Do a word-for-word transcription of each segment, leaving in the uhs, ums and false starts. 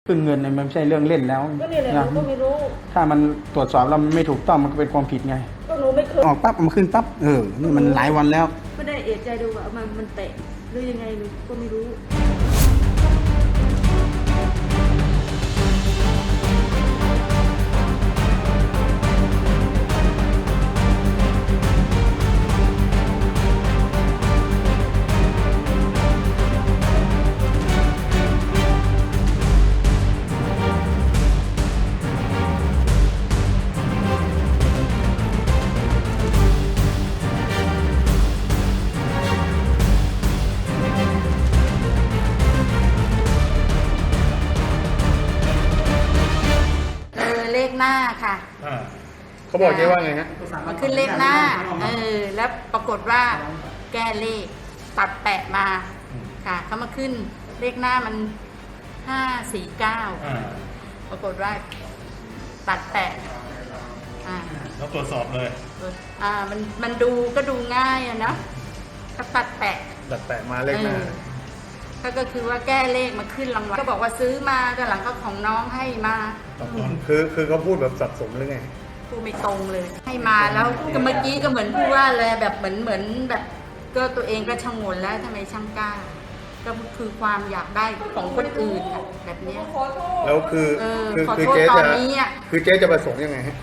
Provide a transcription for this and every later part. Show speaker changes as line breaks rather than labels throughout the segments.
ขึ้นเงินเนี่ยมันไม่ใช่เรื่องเล่นแล้ว
ก็นี่แหละหนูก็ไม่รู้
ถ้ามันตรวจสอบแล้วมันไม่ถูกต้องมันก็เป็นความผิดไง
ก็หนูไม่เคย
ออกปั๊บมันขึ้นปั๊บเออนี่มันหลายวันแล้ว
ไม่ได้เอะใจดูว่ามันมันแตะหรือยังไงหนูก็ไม่รู้
เลขหน้าค่ะ
เขาบอกเจ๊ว่าไงฮะ
มันขึ้นเลขหน้าเออแล้วปรากฏว่าแก้เลขตัดแปะมาค่ะเขามาขึ้นเลขหน้ามันห้าสี่เก้าปรากฏว่าตัดแปะอ่า
แล้วตรวจสอบเลย
อ่ามันมันดูก็ดูง่ายอะเนาะก็ตัดแปะ
ตัดแปะมาเลขหน้า
ก็ก็คือว่าแก้เลขมาขึ้นรางวัลก็บอกว่าซื้อมาแต่หลังก็ของน้องให้มา
คือคือเขาพูดแบบสับสนหรือไง
พูดไม่ตรงเลยให้มาแล้วก็เมื่อกี้ก็เหมือนพูดว่าเลยแบบเหมือนเหมือนแบบก็ตัวเองก็ชงนแล้วทำไมช่างกล้าก็คือความอยากได้ของคนอื่นแบบนี้
แล้วคือ
คือคือเจ๊จะ
คือเจ๊จะประสงค์ยังไงฮะ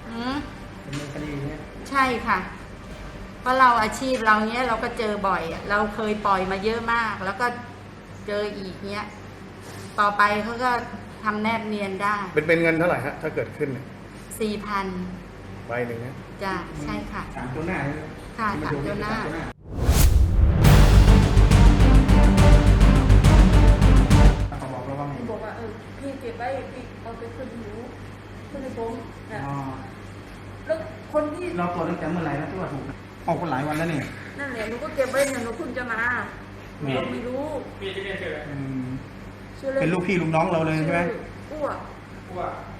ใช่ค่ะเพราะเราอาชีพเราเนี้ยเราก็เจอบ่อยเราเคยปล่อยมาเยอะมากแล้วก็เจออีกเนี้ยต่อไปเขาก็ทำแนบเนียนได้
เป็นเป็นเงินเท่าไหร่ฮะถ้าเกิดขึ้น
สี่พัน
ใบหนึ่งนะ
จ้ะใช่ค่ะ
สามตัวหน้า
ค่ะสามตัวหน้า
เขาบอกเราว่าไง
บอกว่าเออพี่เก็บไว้พี่เอาไปขึ้นหนูขึ้นในผมนะแล้วคนที่
เราตรวจตั้งแต่เมื่อไหร่นะที่ว่าถูกออกคนหลายวันแล้วนี่
นั่นแหละหนูก็เก็บไว้เนี่ยหนูเพิ่งจะมาเราไม่รู้
พี่จะเรียนชื่ออะไรเป็นลูกพี่ลูกน้องเราเลยใช่ไหม
อ้ว
อ้ว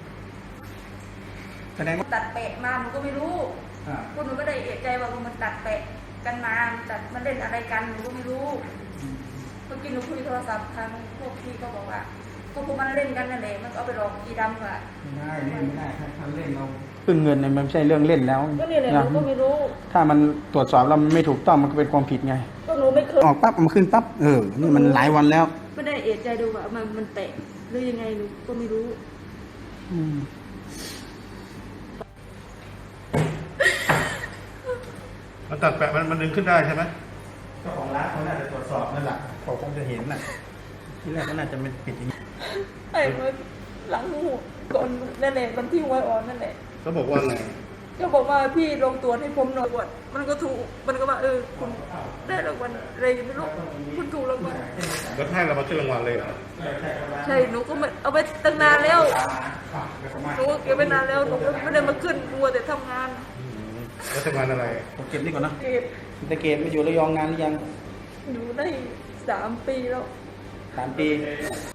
แสดงว่า
ตัดแปะมาหนูก็ไม่รู้พวกหนูก็ได้เอะใจว่ามันตัดแปะกันมาตัดมันเล่นอะไรกันหนูก็ไม่รู้เมื่อกี้หนูคุยโทรศัพท์ทางพวกพี่ก็บอกว่าพวกพวกมันเล่นกันนั่นแหละมันเอาไปหลอกอีดำค่ะ
ไม่ได้เล่นไม่ได้ถ้าเล่นเราขึ้นเงินเนี่ยมันไม่ใช่เรื่องเล่นแล้ว
ก็นี่แหละหนูก็ไม่รู้
ถ้ามันตรวจสอบแล้วมันไม่ถูกต้องมันก็เป็นความผิดไง
ก็หนูไม่เคย
ออกปั๊บมันขึ้นปั๊บเออนี่มันหลายวันแล้ว
ไม่ได้เอะใจดูว่ามันมันแตะหรือยังไงหนูก็ไม่รู้
มันตัดแปะมันมันดึงขึ้นได้ใช่ไหม
เจ้าของร้านเขาน่าจะตรวจสอบนั่นแหละเขาคงจะเห็นน่ะที่แรกก็น่าจะเป็นปิดอย่างนี้
ไอ้เมื่อหลังหูก่อนนั่นแหละวันที่ไว้อ่อนนั่นแหละ
เขาบอกว่าไง
ก็บอกว่าพี่ลงตัวให้ผมหน่อยตรวจมันก็ถูกมันก็ว่าเออคุณได้รางวัลอะไรไม่รู้คุณถูกรางวัล
แล้วให้เรามาขึ้นรางวัลเลยเหรอ
ใช่หนูก็เอาไปตั้งนานแล้วหนูเก็บไปนานแล้วหนูไม่ได้มาขึ้นมัวแต่ทำงาน
แล้วทำงานอะไร
ผมเก็บนี่ก่อนนะ
เก็บ
แต่เก็บมาอยู่ระยองงานหรือยัง
อยู่ได้สามปีแล้ว
สามปี